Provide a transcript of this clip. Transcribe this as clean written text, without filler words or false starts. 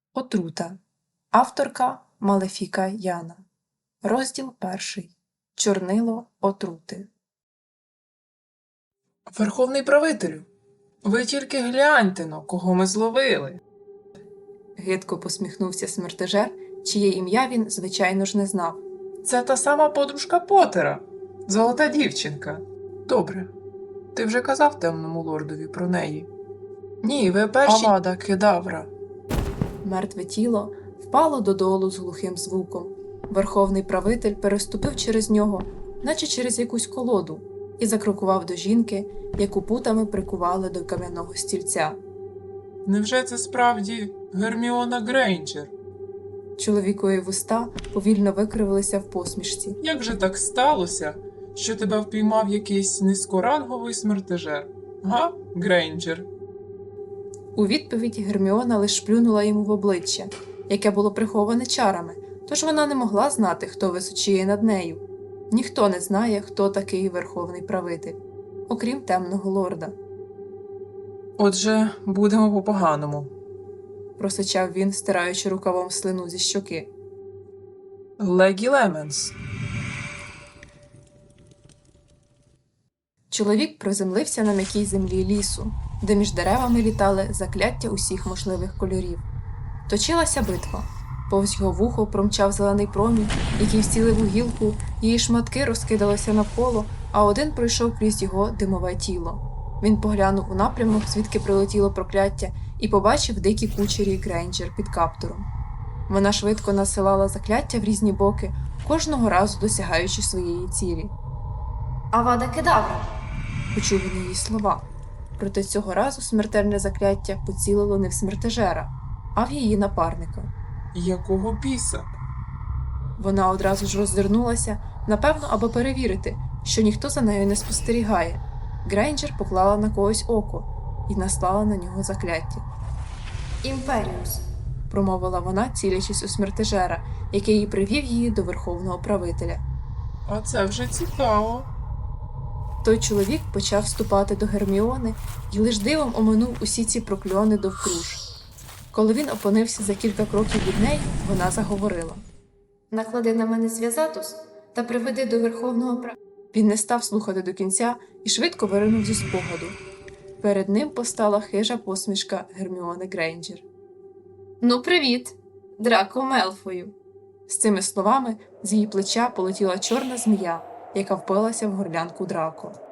Отрута. Авторка Малефіка Яна. Розділ 1. Чорнило отрути. Верховний правителю, ви тільки гляньте-но, кого ми зловили. Гидко посміхнувся смертежер, чиє ім'я він, звичайно ж, не знав. Це та сама подружка Потера, золота дівчинка. Добре, ти вже казав темному лордові про неї? Ні, ви перші. Авада Кедавра. Мертве тіло впало додолу з глухим звуком. Верховний правитель переступив через нього, наче через якусь колоду, і закрокував до жінки, яку путами прикували до кам'яного стільця. Невже це справді Герміона Грейнджер? Чоловікові вуста повільно викривилися в посмішці. Як же так сталося, що тебе впіймав якийсь низькоранговий смертежер? Га, Грейнджер? У відповідь Герміона лиш плюнула йому в обличчя, яке було приховане чарами, тож вона не могла знати, хто височіє над нею. Ніхто не знає, хто такий верховний правитель, окрім темного лорда. Отже, будемо по-поганому. Просичав він, стираючи рукавом слину зі щоки. Легі Леменс. Чоловік приземлився на м'якій землі лісу, де між деревами літали закляття усіх можливих кольорів. Точилася битва. Повз його вухо промчав зелений промінь, який вцілив у гілку, її шматки розкидалися навколо, а один пройшов крізь його димове тіло. Він поглянув у напрямок, звідки прилетіло прокляття, і побачив дикі кучері Грейнджер під каптуром. Вона швидко насилала закляття в різні боки, кожного разу досягаючи своєї цілі. Авада Кедавра. Почув він її слова. Проте цього разу смертельне закляття поцілило не в смертежера, а в її напарника. Якого біса? Вона одразу ж роззирнулася, напевно, аби перевірити, що ніхто за нею не спостерігає. Грейнджер поклала на когось око і наслала на нього закляття. Імперіус. Промовила вона, цілячись у смертежера, який привів її до верховного правителя. А це вже цікаво. Той чоловік почав вступати до Герміони і лиш дивом оминув усі ці прокльони довкруж. Коли він опинився за кілька кроків від неї, вона заговорила. Наклади на мене зв'язатус та приведи до верховного Він не став слухати до кінця і швидко виринув зі спогаду. Перед ним постала хижа посмішка Герміони Грейнджер. Ну, привіт, Драко Мелфою. З цими словами з її плеча полетіла чорна змія, яка впилася в горлянку Драко.